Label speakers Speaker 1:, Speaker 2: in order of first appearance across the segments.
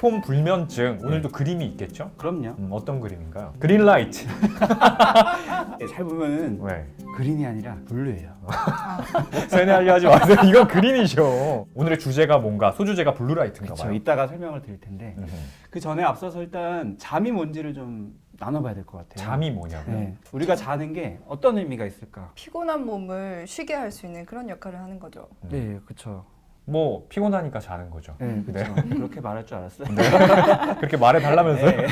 Speaker 1: 스마트폰 불면증 오늘도 그림이 있겠죠?
Speaker 2: 그럼요.
Speaker 1: 어떤 그림인가요? 그린라이트.
Speaker 2: 잘 보면은
Speaker 1: 왜?
Speaker 2: 그린이 아니라 블루예요.
Speaker 1: 세뇌하려 하지 마세요. 이건 그린이죠. 오늘의 주제가 뭔가 소주제가 블루라이트인가
Speaker 2: 그렇죠.
Speaker 1: 봐요.
Speaker 2: 이따가 설명을 드릴 텐데 그 전에 앞서서 일단 잠이 뭔지를 좀 나눠봐야 될 것 같아요.
Speaker 1: 잠이 뭐냐고요?
Speaker 2: 네. 우리가 자는 게 어떤 의미가 있을까?
Speaker 3: 피곤한 몸을 쉬게 할 수 있는 그런 역할을 하는 거죠.
Speaker 2: 네, 그렇죠.
Speaker 1: 뭐 피곤하니까 자는 거죠.
Speaker 2: 네, 그렇죠. 그렇게 말할 줄 알았어요.
Speaker 1: 그렇게 말해달라면서요?
Speaker 2: 네.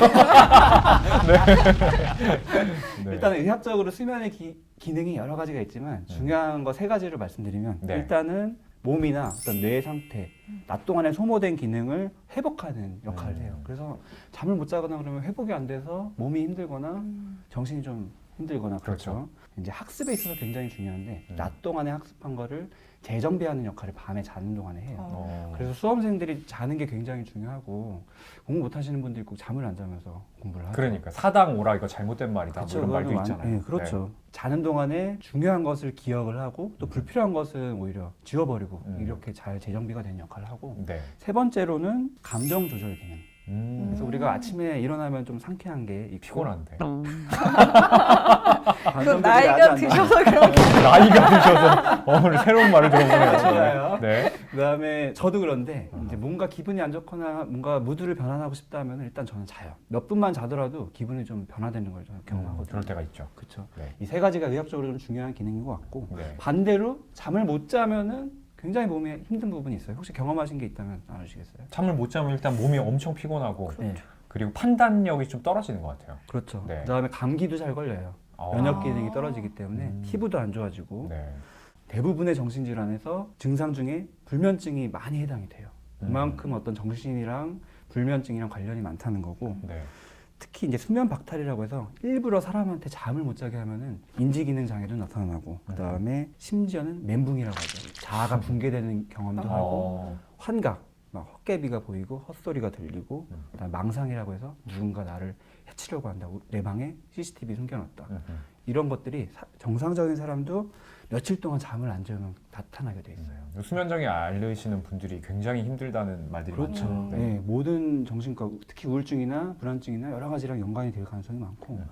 Speaker 1: 네.
Speaker 2: 일단은 의학적으로 수면의 기능이 여러 가지가 있지만 중요한 거 세 가지를 말씀드리면
Speaker 1: 네.
Speaker 2: 일단은 몸이나 어떤 뇌 상태, 낮 동안에 소모된 기능을 회복하는 역할을 해요. 그래서 잠을 못 자거나 그러면 회복이 안 돼서 몸이 힘들거나 정신이 좀 힘들거나 그렇죠. 이제 학습에 있어서 굉장히 중요한데 낮 동안에 학습한 거를 재정비하는 역할을 밤에 자는 동안에 해요. 그래서 수험생들이 자는 게 굉장히 중요하고 공부 못 하시는 분들이 꼭 잠을 안 자면서 공부를 하죠.
Speaker 1: 그러니까 사당 오라 이거 잘못된 말이다.
Speaker 2: 그렇죠.
Speaker 1: 뭐 이런 말도
Speaker 2: 그거는
Speaker 1: 있잖아요.
Speaker 2: 네, 그렇죠. 자는 동안에 중요한 것을 기억을 하고 또 불필요한 것은 오히려 지워버리고 이렇게 잘 재정비가 되는 역할을 하고
Speaker 1: 네.
Speaker 2: 세 번째로는 감정 조절 기능.
Speaker 1: 네.
Speaker 2: 그래서 우리가 아침에 일어나면 좀 상쾌한 게 있고
Speaker 1: 피곤한데.
Speaker 3: 그건 나이가 드셔서 그런 게
Speaker 1: 나이가 드셔서 오늘 새로운 말을 들어보네요.
Speaker 2: 맞아요.
Speaker 1: 네.
Speaker 2: 그다음에 저도 그런데 이제 뭔가 기분이 안 좋거나 뭔가 무드를 변환하고 싶다면 일단 저는 자요. 몇 분만 자더라도 기분이 좀 변화되는 걸 저는 경험하거든요.
Speaker 1: 그럴 때가 있죠.
Speaker 2: 그렇죠.
Speaker 1: 네.
Speaker 2: 이 세 가지가 의학적으로 좀 중요한 기능인 것 같고
Speaker 1: 네.
Speaker 2: 반대로 잠을 못 자면은 굉장히 몸에 힘든 부분이 있어요. 혹시 경험하신 게 있다면 나누시겠어요?
Speaker 1: 잠을 못 자면 일단 몸이 엄청 피곤하고
Speaker 2: 네.
Speaker 1: 그리고 판단력이 좀 떨어지는 것 같아요.
Speaker 2: 그렇죠.
Speaker 1: 네.
Speaker 2: 그다음에 감기도 잘 걸려요.
Speaker 1: 아.
Speaker 2: 면역 기능이 떨어지기 때문에 피부도 안 좋아지고
Speaker 1: 네.
Speaker 2: 대부분의 정신질환에서 증상 중에 불면증이 많이 해당이 돼요. 그만큼 어떤 정신이랑 불면증이랑 관련이 많다는 거고
Speaker 1: 네.
Speaker 2: 특히 이제 수면 박탈이라고 해서 일부러 사람한테 잠을 못 자게 하면은 인지 기능 장애도 나타나고 그다음에 심지어는 멘붕이라고 하죠. 자아가 붕괴되는 경험도 하고 환각, 막 헛개비가 보이고 헛소리가 들리고 그다음에 망상이라고 해서 누군가 나를 해치려고 한다고 내 방에 CCTV 숨겨놨다. 이런 것들이 정상적인 사람도 며칠 동안 잠을 안 자면 나타나게 돼 있어요.
Speaker 1: 수면장애 앓으시는 분들이 굉장히 힘들다는 말들이
Speaker 2: 그렇죠.
Speaker 1: 많죠.
Speaker 2: 네, 모든 정신과 특히 우울증이나 불안증이나 여러 가지랑 연관이 될 가능성이 많고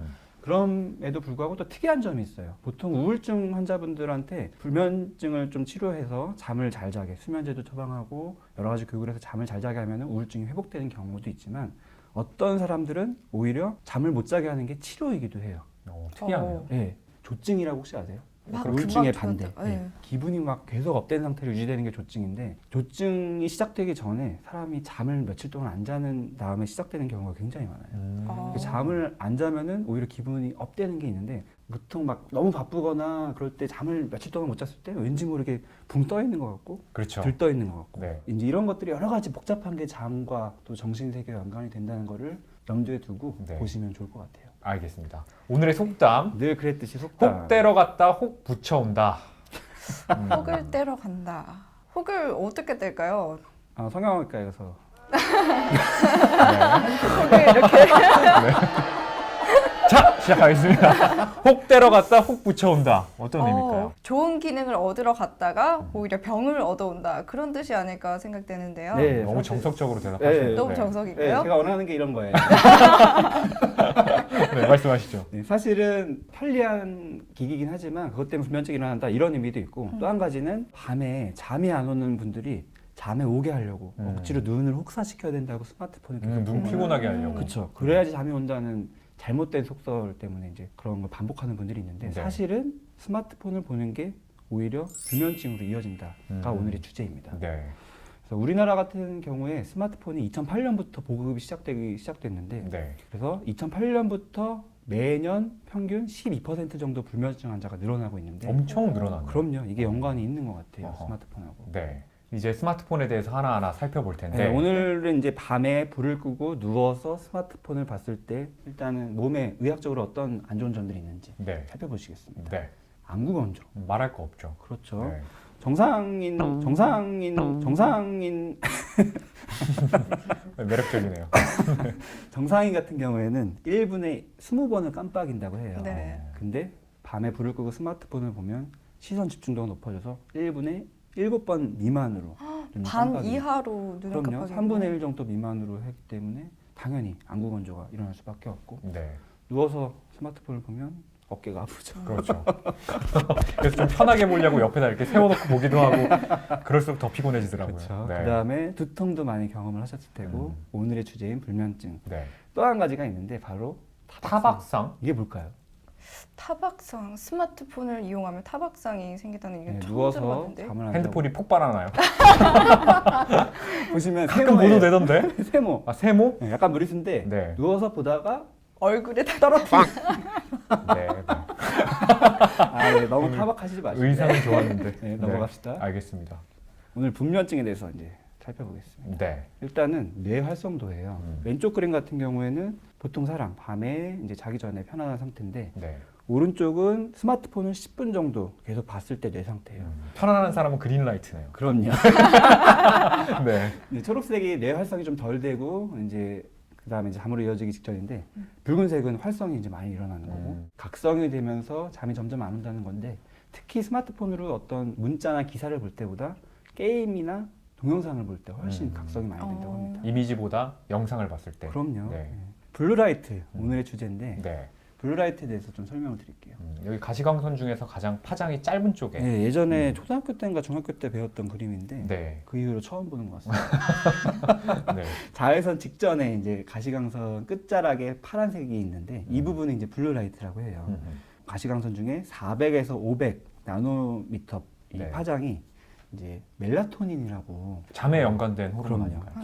Speaker 2: 그럼에도 불구하고 또 특이한 점이 있어요. 보통 우울증 환자분들한테 불면증을 좀 치료해서 잠을 잘 자게 수면제도 처방하고 여러 가지 교육을 해서 잠을 잘 자게 하면 우울증이 회복되는 경우도 있지만 어떤 사람들은 오히려 잠을 못 자게 하는 게 치료이기도 해요.
Speaker 1: 특이하네요.
Speaker 2: 네, 조증이라고 혹시 아세요?
Speaker 3: 막
Speaker 2: 우울증의
Speaker 3: 금방
Speaker 2: 반대.
Speaker 3: 좋아한다. 네.
Speaker 2: 기분이 막 계속 업된 상태로 유지되는 게 조증인데 조증이 시작되기 전에 사람이 잠을 며칠 동안 안 자는 다음에 시작되는 경우가 굉장히 많아요. 잠을 안 자면은 오히려 기분이 업되는 게 있는데 보통 막 너무 바쁘거나 그럴 때 잠을 며칠 동안 못 잤을 때 왠지 모르게 붕 떠 있는 것 같고
Speaker 1: 그렇죠.
Speaker 2: 들떠 있는 것 같고
Speaker 1: 네.
Speaker 2: 이제 이런 것들이 여러 가지 복잡한 게 잠과 또 정신 세계와 연관이 된다는 거를 염두에 두고
Speaker 1: 네.
Speaker 2: 보시면 좋을 것 같아요.
Speaker 1: 알겠습니다. 오늘의 속담.
Speaker 2: 늘 그랬듯이 속담.
Speaker 1: 혹 때려 갔다 혹 붙여온다.
Speaker 3: 혹을 때려 간다. 혹을 어떻게 뗄까요?
Speaker 2: 성형외과에 가서
Speaker 3: 혹을 이렇게
Speaker 1: 자, 시작하겠습니다. 혹 때려 갔다 혹 붙여온다. 어떤 의미일까요?
Speaker 3: 좋은 기능을 얻으러 갔다가 오히려 병을 얻어온다. 그런 뜻이 아닐까 생각되는데요.
Speaker 2: 네.
Speaker 1: 너무
Speaker 2: 사실-
Speaker 1: 정석적으로 대답하시네요.
Speaker 2: 네.
Speaker 3: 너무
Speaker 2: 네,
Speaker 3: 정석인가요?
Speaker 2: 제가 원하는 게 이런 거예요.
Speaker 1: 네, 말씀하시죠.
Speaker 2: 네, 사실은 편리한 기기긴 하지만 그것 때문에 불면증이 일어난다 이런 의미도 있고 또 한 가지는 밤에 잠이 안 오는 분들이 잠에 오게 하려고 억지로 눈을 혹사시켜야 된다고 스마트폰을 계속
Speaker 1: 눈 피곤하게 하려고.
Speaker 2: 그렇죠. 그래야지 잠이 온다는 잘못된 속설 때문에 이제 그런 걸 반복하는 분들이 있는데
Speaker 1: 네.
Speaker 2: 사실은 스마트폰을 보는 게 오히려 불면증으로 이어진다가 오늘의 주제입니다.
Speaker 1: 네.
Speaker 2: 그래서 우리나라 같은 경우에 스마트폰이 2008년부터 보급이 시작됐는데
Speaker 1: 네.
Speaker 2: 그래서 2008년부터 매년 평균 12% 정도 불면증 환자가 늘어나고 있는데
Speaker 1: 엄청 늘어났네요.
Speaker 2: 그럼요. 이게 연관이 있는 것 같아요.
Speaker 1: 어허.
Speaker 2: 스마트폰하고.
Speaker 1: 네. 이제 스마트폰에 대해서 하나하나 살펴볼 텐데.
Speaker 2: 네, 오늘은 이제 밤에 불을 끄고 누워서 스마트폰을 봤을 때 일단은 몸에 의학적으로 어떤 안 좋은 점들이 있는지
Speaker 1: 네.
Speaker 2: 살펴보시겠습니다.
Speaker 1: 네.
Speaker 2: 안구 건조.
Speaker 1: 말할 거 없죠.
Speaker 2: 그렇죠.
Speaker 1: 네.
Speaker 2: 정상인
Speaker 1: 매력적이네요.
Speaker 2: 정상인 같은 경우에는 1분에 20번을 깜빡인다고 해요.
Speaker 3: 네.
Speaker 2: 근데 밤에 불을 끄고 스마트폰을 보면 시선 집중도가 높아져서 1분에 7번 미만으로 눈이
Speaker 3: 반
Speaker 2: 깜빡이고.
Speaker 3: 이하로 눈을
Speaker 2: 그럼요.
Speaker 3: 깜빡이고
Speaker 2: 3분의 1 정도 미만으로 하기 때문에 당연히 안구 건조가 일어날 수밖에 없고
Speaker 1: 네.
Speaker 2: 누워서 스마트폰을 보면 어깨가 아프죠.
Speaker 1: 그렇죠. 그래서 좀 편하게 보려고 옆에다 이렇게 세워놓고 보기도 하고 그럴수록 더 피곤해지더라고요.
Speaker 2: 그렇죠.
Speaker 1: 네.
Speaker 2: 그다음에 두통도 많이 경험을 하셨을 테고
Speaker 1: 음.
Speaker 2: 오늘의 주제인 불면증.
Speaker 1: 네.
Speaker 2: 또 한 가지가 있는데 바로
Speaker 1: 타박상?
Speaker 2: 이게 뭘까요?
Speaker 3: 타박상 스마트폰을 이용하면 타박상이 생긴다는 얘기는
Speaker 2: 네,
Speaker 3: 처음
Speaker 2: 누워서
Speaker 3: 들어봤는데
Speaker 2: 잠을 안
Speaker 1: 핸드폰이 폭발하나요?
Speaker 2: 자고 보시면
Speaker 1: 가끔
Speaker 2: 세모예요.
Speaker 1: 보도되던데?
Speaker 2: 세모.
Speaker 1: 아 세모?
Speaker 2: 네, 약간 무리수인데
Speaker 1: 네.
Speaker 2: 누워서 보다가
Speaker 3: 얼굴에 다
Speaker 2: 떨어뜨려.
Speaker 1: 네.
Speaker 2: 네, 너무 타박하시지 마시고
Speaker 1: 의상은 좋았는데.
Speaker 2: 네, 넘어갑시다.
Speaker 1: 알겠습니다.
Speaker 2: 오늘 불면증에 대해서 이제 살펴보겠습니다.
Speaker 1: 네.
Speaker 2: 일단은 뇌 활성도예요. 왼쪽 그림 같은 경우에는 보통 사람 밤에 이제 자기 전에 편안한 상태인데
Speaker 1: 네.
Speaker 2: 오른쪽은 스마트폰을 10분 정도 계속 봤을 때 뇌 상태예요.
Speaker 1: 편안한 사람은 그린라이트네요.
Speaker 2: 그럼요.
Speaker 1: 네.
Speaker 2: 네, 초록색이 뇌 활성이 좀 덜 되고 이제 그다음에 이제 잠으로 이어지기 직전인데 붉은색은 활성이 이제 많이 일어나는 거고 각성이 되면서 잠이 점점 안 온다는 건데 특히 스마트폰으로 어떤 문자나 기사를 볼 때보다 게임이나 동영상을 볼 때 훨씬 각성이 많이 된다고 합니다.
Speaker 1: 이미지보다 영상을 봤을 때.
Speaker 2: 그럼요.
Speaker 1: 네.
Speaker 2: 네. 블루라이트 오늘의 주제인데
Speaker 1: 네.
Speaker 2: 블루라이트에 대해서 좀 설명을 드릴게요.
Speaker 1: 여기 가시광선 중에서 가장 파장이 짧은 쪽에.
Speaker 2: 네, 예전에 초등학교 때인가 중학교 때 배웠던 그림인데
Speaker 1: 네.
Speaker 2: 그 이후로 처음 보는 것 같습니다.
Speaker 1: 네.
Speaker 2: 자외선 직전에 이제 가시광선 끝자락에 파란색이 있는데 이 부분은 이제 블루라이트라고 해요. 가시광선 중에 400에서 500 나노미터 이
Speaker 1: 네.
Speaker 2: 파장이 이제 멜라토닌이라고
Speaker 1: 잠에 연관된 호르몬
Speaker 2: 그럼요.
Speaker 1: 아닌가요?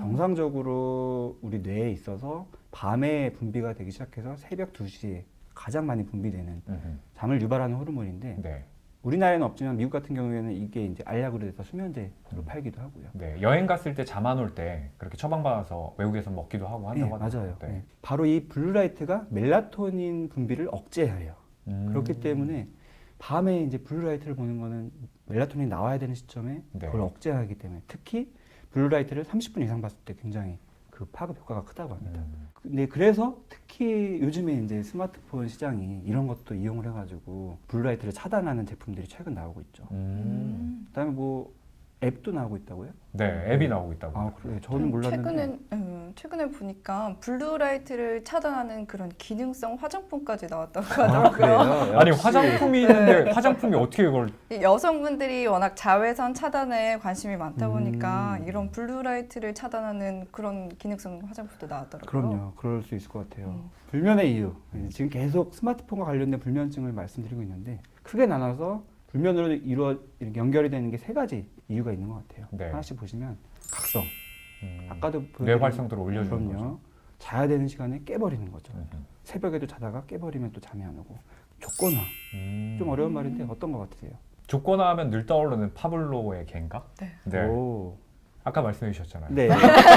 Speaker 2: 정상적으로 우리 뇌에 있어서 밤에 분비가 되기 시작해서 새벽 2시에 가장 많이 분비되는 잠을 유발하는 호르몬인데
Speaker 1: 네.
Speaker 2: 우리나라에는 없지만 미국 같은 경우에는 이게 이제 알약으로 돼서 수면제로 팔기도 하고요.
Speaker 1: 네. 여행 갔을 때 잠 안 올 때 그렇게 처방받아서 외국에서 먹기도 하고
Speaker 2: 네,
Speaker 1: 한다고
Speaker 2: 맞아요.
Speaker 1: 하더라고요.
Speaker 2: 네. 바로 이 블루라이트가 멜라토닌 분비를 억제해요. 그렇기 때문에 밤에 이제 블루라이트를 보는 거는 멜라토닌이 나와야 되는 시점에
Speaker 1: 네.
Speaker 2: 그걸 억제하기 때문에 특히 블루라이트를 30분 이상 봤을 때 굉장히 그 파급 효과가 크다고 합니다. 근데 그래서 특히 요즘에 이제 스마트폰 시장이 이런 것도 이용을 해가지고 블루라이트를 차단하는 제품들이 최근 나오고 있죠. 그다음에 뭐 앱도 나오고 있다고요?
Speaker 1: 네. 앱이 나오고 있다고.
Speaker 2: 아 그래, 저는 몰랐는데.
Speaker 3: 최근에 보니까 블루라이트를 차단하는 그런 기능성 화장품까지 나왔다고
Speaker 2: 아,
Speaker 3: 하더라고요.
Speaker 2: 그래요?
Speaker 1: 아니
Speaker 2: 역시.
Speaker 1: 화장품이 있는데 화장품이 어떻게 그걸
Speaker 3: 여성분들이 워낙 자외선 차단에 관심이 많다 보니까 이런 블루라이트를 차단하는 그런 기능성 화장품도 나왔더라고요.
Speaker 2: 그럼요. 그럴 수 있을 것 같아요. 불면의 이유. 지금 계속 스마트폰과 관련된 불면증을 말씀드리고 있는데 크게 나눠서 불면으로 연결이 되는 게 3가지 이유가 있는 것 같아요.
Speaker 1: 네.
Speaker 2: 하나씩 보시면 각성. 아까도
Speaker 1: 뇌
Speaker 2: 보여드린
Speaker 1: 활성도를 올려주는
Speaker 2: 그럼요.
Speaker 1: 거죠.
Speaker 2: 자야 되는 시간에 깨버리는 거죠. 새벽에도 자다가 깨버리면 또 잠이 안 오고. 조건화. 좀 어려운 말인데 어떤 것 같으세요?
Speaker 1: 조건화하면 늘 떠오르는 파블로의 개인가?
Speaker 3: 네.
Speaker 2: 오.
Speaker 1: 아까 말씀해 주셨잖아요.
Speaker 2: 네.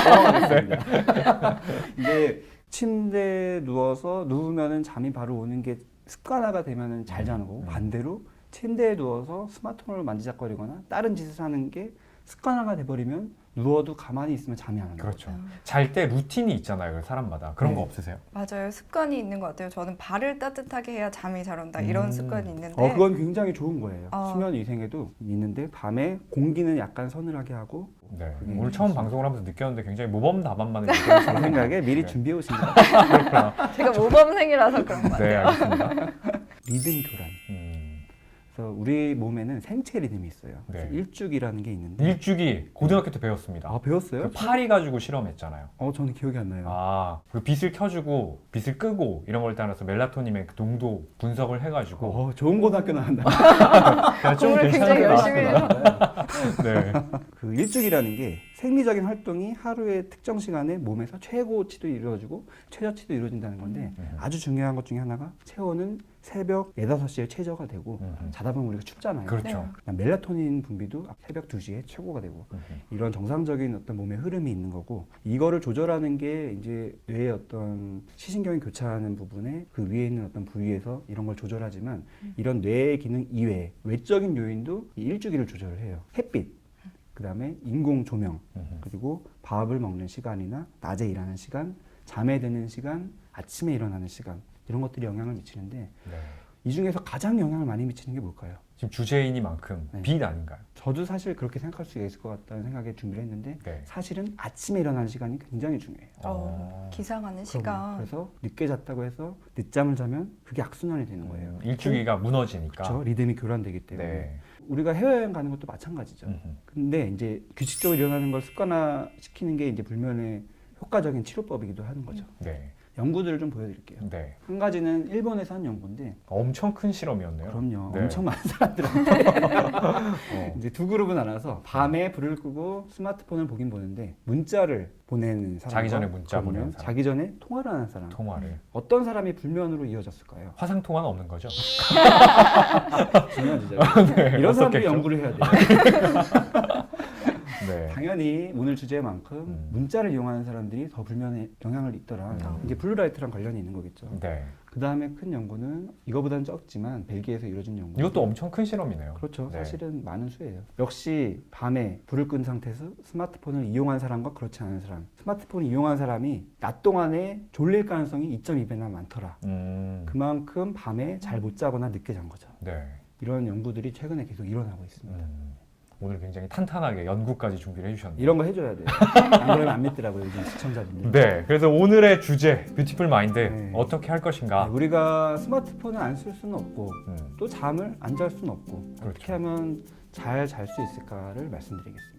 Speaker 2: 넘어가겠습니다. 이제 침대에 누우면은 잠이 바로 오는 게 습관화가 되면은 잘 자는 거고 반대로 침대에 누워서 스마트폰을 만지작거리거나 다른 짓을 하는 게 습관화가 돼버리면 누워도 가만히 있으면 잠이 안 오는
Speaker 1: 그렇죠.
Speaker 2: 거죠.
Speaker 1: 잘 때 루틴이 있잖아요. 사람마다. 그런
Speaker 2: 네.
Speaker 1: 거 없으세요?
Speaker 3: 맞아요. 습관이 있는 것 같아요. 저는 발을 따뜻하게 해야 잠이 잘 온다 이런 습관이 있는데
Speaker 2: 그건 굉장히 좋은 거예요.
Speaker 3: 아.
Speaker 2: 수면 위생에도 있는데 밤에 공기는 약간 서늘하게 하고
Speaker 1: 네.
Speaker 2: 그게
Speaker 1: 오늘 처음 방송을 하면서 느꼈는데 굉장히 모범답안만을
Speaker 2: 제
Speaker 1: 얘기하시는
Speaker 2: 생각에 미리
Speaker 1: 네.
Speaker 2: 준비해 오신 것 같아요.
Speaker 3: 제가 모범생이라서 그런 것
Speaker 1: 네,
Speaker 3: 같아요.
Speaker 1: 알겠습니다.
Speaker 2: 리듬 교란. 그래서 우리 몸에는 생체 리듬이 있어요. 그래서
Speaker 1: 네.
Speaker 2: 일주기라는 게 있는데
Speaker 1: 일주기 고등학교 때 배웠습니다.
Speaker 2: 아 배웠어요?
Speaker 1: 그 파리 가지고 실험했잖아요.
Speaker 2: 저는 기억이 안 나요.
Speaker 1: 아, 그 빛을 켜주고 빛을 끄고 이런 걸 따라서 멜라토닌의 그 농도 분석을 해가지고
Speaker 2: 좋은 고등학교 나간다.
Speaker 1: 야, 좀
Speaker 3: 공부를 굉장히
Speaker 1: 괜찮은 거
Speaker 3: 열심히
Speaker 1: 나왔구나. 네.
Speaker 2: 그 일주기라는 게 생리적인 활동이 하루의 특정 시간에 몸에서 최고치도 이루어지고 최저치도 이루어진다는 건데 아주 중요한 것 중에 하나가 체온은 새벽 4, 5시에 최저가 되고 자다 보면 우리가 춥잖아요.
Speaker 1: 그렇죠.
Speaker 2: 멜라토닌 분비도 새벽 2시에 최고가 되고 이런 정상적인 어떤 몸의 흐름이 있는 거고 이거를 조절하는 게 이제 뇌의 어떤 시신경이 교차하는 부분에 그 위에 있는 어떤 부위에서 이런 걸 조절하지만 이런 뇌의 기능 이외에 외적인 요인도 이 일주기를 조절을 해요. 햇빛 그 다음에 인공 조명, 그리고 밥을 먹는 시간이나 낮에 일하는 시간, 잠에 드는 시간, 아침에 일어나는 시간 이런 것들이 영향을 미치는데
Speaker 1: 네.
Speaker 2: 이 중에서 가장 영향을 많이 미치는 게 뭘까요?
Speaker 1: 지금 주제이니만큼
Speaker 2: 네.
Speaker 1: 빛 아닌가요?
Speaker 2: 저도 사실 그렇게 생각할 수 있을 것 같다는 생각에 준비를 했는데
Speaker 1: 네.
Speaker 2: 사실은 아침에 일어나는 시간이 굉장히 중요해요.
Speaker 3: 기상하는
Speaker 2: 그럼요.
Speaker 3: 시간.
Speaker 2: 그래서 늦게 잤다고 해서 늦잠을 자면 그게 악순환이 되는 거예요.
Speaker 1: 일주기가 무너지니까.
Speaker 2: 그렇죠. 리듬이 교란되기 때문에.
Speaker 1: 네.
Speaker 2: 우리가 해외여행 가는 것도 마찬가지죠. 근데 이제 규칙적으로 일어나는 걸 습관화시키는 게 이제 불면의 효과적인 치료법이기도 하는 거죠.
Speaker 1: 네.
Speaker 2: 연구들을 좀 보여드릴게요.
Speaker 1: 네.
Speaker 2: 한 가지는 일본에서 한 연구인데
Speaker 1: 엄청 큰 실험이었네요.
Speaker 2: 그럼요.
Speaker 1: 네.
Speaker 2: 엄청 많은 사람들한테
Speaker 1: 어.
Speaker 2: 이제 두 그룹은 나눠서 밤에 불을 끄고 스마트폰을 보긴 보는데 문자를 보내는 사람
Speaker 1: 자기 전에 문자 보내는 사람.
Speaker 2: 자기 전에 통화를 하는 사람
Speaker 1: 통화를.
Speaker 2: 어떤 사람이 불면으로 이어졌을까요?
Speaker 1: 화상 통화는 없는 거죠?
Speaker 2: 중요한 주제죠.
Speaker 1: 네,
Speaker 2: 이런 사람들이
Speaker 1: 어떻겠죠?
Speaker 2: 연구를 해야 돼요.
Speaker 1: 네.
Speaker 2: 당연히 오늘 주제만큼
Speaker 1: 음.
Speaker 2: 문자를 이용하는 사람들이 더 불면에 영향을 입더라. 이게 블루라이트랑 관련이 있는 거겠죠.
Speaker 1: 네.
Speaker 2: 그 다음에 큰 연구는 이거보다는 적지만 벨기에에서 이루어진 연구.
Speaker 1: 이것도 엄청 큰 실험이네요.
Speaker 2: 그렇죠.
Speaker 1: 네.
Speaker 2: 사실은 많은 수예요. 역시 밤에 불을 끈 상태에서 스마트폰을 이용한 사람과 그렇지 않은 사람. 스마트폰을 이용한 사람이 낮 동안에 졸릴 가능성이 2.2배나 많더라. 그만큼 밤에 잘 못 자거나 늦게 잔 거죠.
Speaker 1: 네.
Speaker 2: 이런 연구들이 최근에 계속 일어나고 있습니다.
Speaker 1: 오늘 굉장히 탄탄하게 연구까지 준비를 해주셨네요.
Speaker 2: 이런 거 해줘야 돼요. 안 그러면 안 믿더라고요, 요즘 시청자분들.
Speaker 1: 네. 그래서 오늘의 주제 뷰티풀 마인드
Speaker 2: 네.
Speaker 1: 어떻게 할 것인가.
Speaker 2: 우리가 스마트폰을 안 쓸 수는 없고
Speaker 1: 음.
Speaker 2: 또 잠을 안 잘 수는 없고
Speaker 1: 그렇죠.
Speaker 2: 어떻게 하면 잘 잘 수 있을까를 말씀드리겠습니다.